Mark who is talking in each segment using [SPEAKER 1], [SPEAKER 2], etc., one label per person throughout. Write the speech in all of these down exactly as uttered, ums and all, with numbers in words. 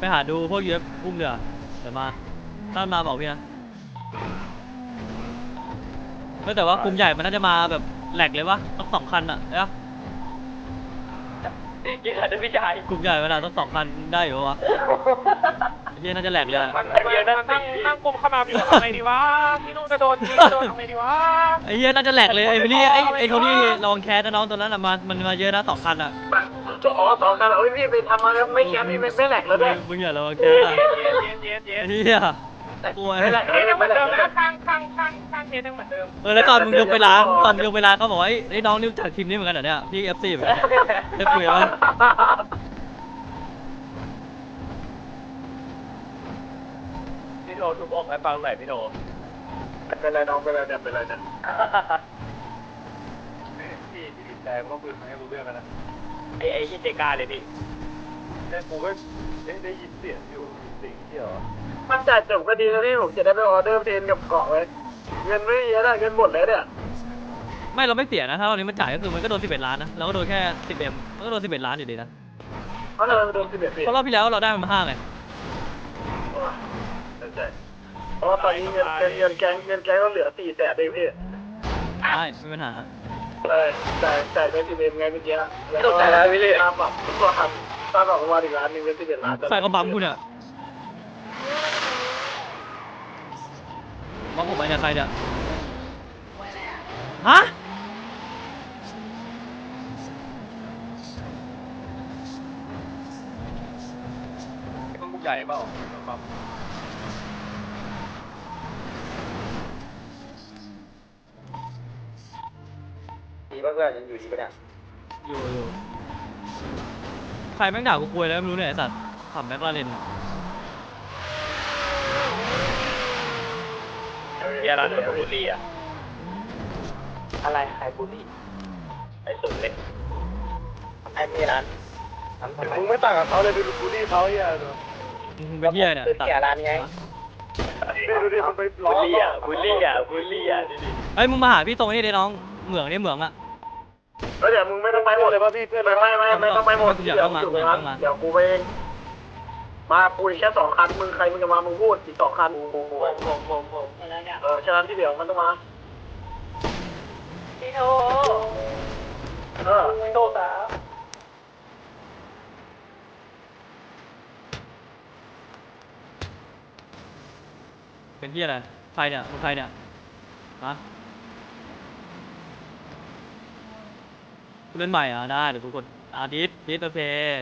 [SPEAKER 1] หาดูพวกยูเอฟอุ้มเรือเดี๋ยวมาถ้ามาบอกพี่นะไม่แต่ว่ากลุ่มใหญ่มันน่าจะมาแบบแหลกเลยวะต้องสองคันอะนะ
[SPEAKER 2] กี่คันนะพี่ชาย
[SPEAKER 1] กลุ่มใหญ่เวลาต้องสองคันได้อยู่วะพี่น่าจะแหลกเลย
[SPEAKER 2] มันเยอะนั่งนั่งนั่งกลมขมับอยู่ทำไงดีวะพี่นุ่นจะโดนพี่จะโดนทำไงดีวะ
[SPEAKER 1] ไอ้เหี้ยน่าจะแหลกเลยไอ้พี่ลี่ไอ้ไอ้เขานี่ระวังแคสนะน้องตัวนั้นอะมามันมาเยอะนะสองคันอะ
[SPEAKER 2] อ๋อสองคันโอ้ยพี่ไปทำมาแล้วไม่แคสพี่ไม่แหลกแล้วด้วย
[SPEAKER 1] มึงอย่าระวังแคสอะไอ้เหี้ยกลัวเลย
[SPEAKER 2] เอ้ยยังเหมือนเดิมนะข้างข้างข้างข้างเทสยังเหมือนเดิม
[SPEAKER 1] เออแล้วตอนมึงยกไปร้านตอนยกไปร้านเขาบอกว่าไอ้น้องนี่จากทีมนี้เหมือนกันเหรอเนี่ยพี่เอฟซีเหมือนกันได้คุยมั้ย
[SPEAKER 2] พี่โทรทุบอกให้ฟังหน่อยพี่โทรเป็นไรน้องเป็นไรเนี่ยเป็นไรเนี่ยพี่พี่ติดใจก็คุยให้รู้เรื่องกันนะไอ้ไอ้ที่เจกาเลยพี่แต่กูก็ได้ได้ยินเสียงอยู่สิ่งที่เหรอมันจ่ายจบก็ดีแล้วที่ผมจะได้ไปออเดอร์เพลนกับเกาะไว้เงินไม่เยอะนะเงินหมดแล้วเนี่ย
[SPEAKER 1] ไม่เราไม่เสียนะถ้าเรานี้มันจ่ายก็คือมันก็โดนสิบเอ็ดล้านนะเราก็โดนแค่สิบเอ็มมันก็โดนสิบเอ็ดล้านอยู่ดีนะ
[SPEAKER 2] เพราะเราโดนสิบเอ็ดปี
[SPEAKER 1] เพราะรอบที่แล้วเราได้มาห้าไง
[SPEAKER 2] ใช่เพราะตอนนี้เงินเงินแก๊งเงินแก๊งก็เหลือสี่แสนเองพี่
[SPEAKER 1] ใช่ไม่มีปัญหา
[SPEAKER 2] ใช่จ่ายจ่ายไปสิบเอ็มไงเมื่อกี้แล้วก็ค่าปรับก็หักค่าปรับประมาณอีกล้านหนึ่งเป็นสิบเอ็ดล้าน
[SPEAKER 1] ใครก็บัมกูเนี่ยบัมผมไปเนี่ยใครเนี่ยฮะ
[SPEAKER 2] ต้องบุกใหญ่เปล่าครับดีป่ะเพื่อนยังอยู่ดีป่ะเนี่ย
[SPEAKER 1] อยู่อยู่ใครแม่งด่ากูคุยแล้วไม่รู้เนี่ยไอ้สัตว์ขับแม็กลาเรน
[SPEAKER 2] เฮียร้านบุรีอะอะไรใครบุรีไอ้สุดเล็กไอ้มีร้านมึงไม่ต่างกับเขาเลยดูบุรีเขาเฮีย
[SPEAKER 1] มึงเป็นเฮียเนี่ย
[SPEAKER 2] ตัดร้านไงดูดิมันไปล้อบุรีอะบุรีอะบุรีอะดิดิ
[SPEAKER 1] เฮ้ยมึงมาหาพี่ตรงนี้ดิน้องเหมืองนี่เหมืองอะ
[SPEAKER 2] เดี๋ยวมึงไม่ต้องไปหมดเลยป่ะพี่เพื่อนไม่ไม่ไม่ไม่ต้องไปหมดเดี๋ยวอยู่ตรงนั้นเดี๋ยวกูไปเองมากูแค่สองคันมึงใครมึงจะมามึงพูดอีกสองคันผมผมผมผมผมเออฉะนั้นที่เดี๋ยวมันต้องมาพี่โทเออพี่โทสา
[SPEAKER 1] เป็นที่อะไรใครเนี่ยมึงใครเนี่ยฮะเล่นใหม่อ่ะได้เดี๋ยวทุกคนอาดิสดิสโอเค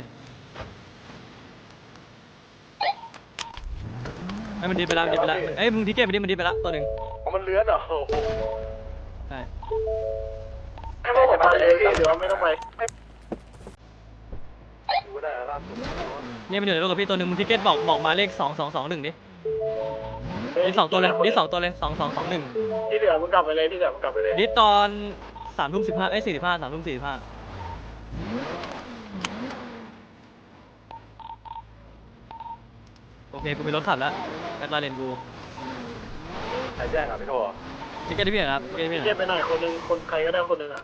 [SPEAKER 1] ไอ้มันดีไปแล้วดีไปแล้วเอ้ยมึงทิเก็ตมันดีมันดีไปแล้วตัวหนึ่ง
[SPEAKER 2] มันเลื้อนเหรอ
[SPEAKER 1] ใช่
[SPEAKER 2] ไม่ต้องไปเดี๋ยวไม่ต้องไป
[SPEAKER 1] เนี่ยมันอยู่ในรถกับพี่ตัวหนึ่งมึงทิเก็ตบอกบอกมาเลขสองสองสองหนึ่งดินี่สองตัวเลยนี่สองตัวเลยสองสองสองหนึ่ง
[SPEAKER 2] ที่เหลือมึงกลับไปเลยที่เหลือมึงกลับไปเลย
[SPEAKER 1] นี่ตอนสามทุ่มสิบห้าเอ้ยสี่สิบห้าสามทุ่มสี่สิบห้าโอเคกูมีรถขับแล้วแม็กลาเรนกู
[SPEAKER 2] ใครแจ้งอ่ะพี่โท
[SPEAKER 1] ทิเก็ตที่พี่ครับทิเก็ตพี่
[SPEAKER 2] เก็บไปหน่อยคนหนึ่งคนใครก็ได้คนหนึ่งอ่ะ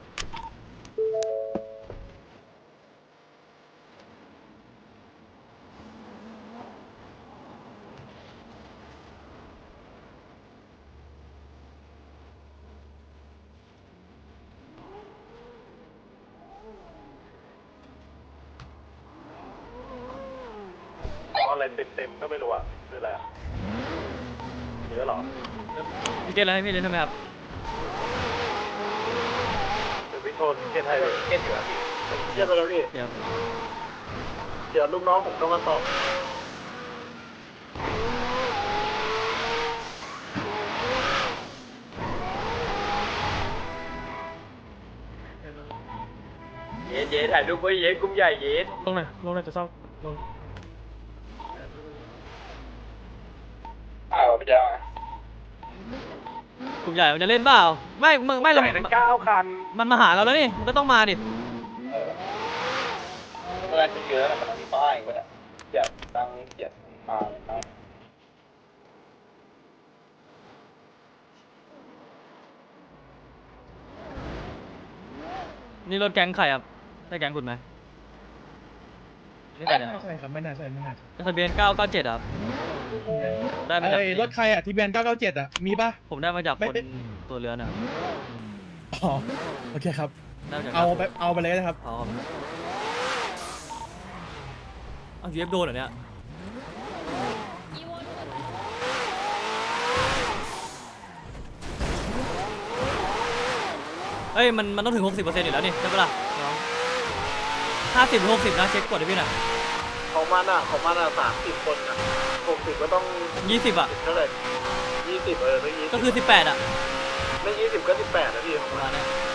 [SPEAKER 2] อะไรเต็มเต็มก็ไม่รู้อ่ะคืออะไรอ่ะเยอะหรอ
[SPEAKER 1] ทิเก็ตอะไรให้พี่เล่นทำไมครับ
[SPEAKER 2] เดี๋ยวพี่โทษเก็ตให้เก็ตอยู่อ่ะพี่เก็ตไปแล้วพี่
[SPEAKER 1] เดี๋ยว
[SPEAKER 2] เดี๋ยวลูกน้องผมต้องมาสอบเย็นเย็นถ่ายรูปไว้เย็นกุ้งใหญ่เย็น
[SPEAKER 1] ลงไหนลงไหนจะเศร้าลง
[SPEAKER 2] อ้าวพี่เจ้าก
[SPEAKER 1] ลุ่มใหญ่มันจะเล่นเปล่าไม่มึงไม่เรา
[SPEAKER 2] เก้าคัน
[SPEAKER 1] มันมาหาเราแล้วนี่มันก็ต้องมาดิ
[SPEAKER 2] เมื่อจะเยอะมันมีป้ายก็ได้เจ็บตังเจ็บมา
[SPEAKER 1] นี่รถแก๊งใครครับได้แก๊งคุณไหม
[SPEAKER 2] ใ
[SPEAKER 1] นี่ใครเนี่ย
[SPEAKER 3] ใช่ครับไม่น่าใช่ไม่น่า
[SPEAKER 1] ทะเบียนเก้าเก้าเจ็ดครับได้มาจาก
[SPEAKER 3] ไอ้รถใครอ่ะที่แบนเก้าเก้าเจ็ดอ่ะมีป่ะ
[SPEAKER 1] ผมได้มาจาก
[SPEAKER 3] ไม่
[SPEAKER 1] คน
[SPEAKER 3] เป็น
[SPEAKER 1] ตัวเรือนะครับ
[SPEAKER 3] อ๋อโอเคครับ
[SPEAKER 1] ได้มาจาก
[SPEAKER 3] เอาไปเอาไปเลยนะครับ
[SPEAKER 1] เอาเอายูเอฟโดนเหรอเนี่ยเอ้ยมันมันต้องถึงหกสิบเปอร์เซ็นต์อยู่แล้วนี่ใช่ปะล่ะห้าสิบหรือหกสิบนะเช็คกดให้พี่หน่อย
[SPEAKER 2] ของมันอ่ะของมันอ่ะสามสิบคนอ่ะหกสิบก็ต้อง
[SPEAKER 1] ยี่สิบอ่ะ
[SPEAKER 2] เท่าไหร่ยี่สิบเออไม่ยี่สิบ
[SPEAKER 1] ก็คือสิบแปดอ่ะ
[SPEAKER 2] ไม่ยี่สิบก็สิบแปดนะพี่ของ
[SPEAKER 1] ประ
[SPEAKER 2] มั
[SPEAKER 1] มาน ณเนี้ย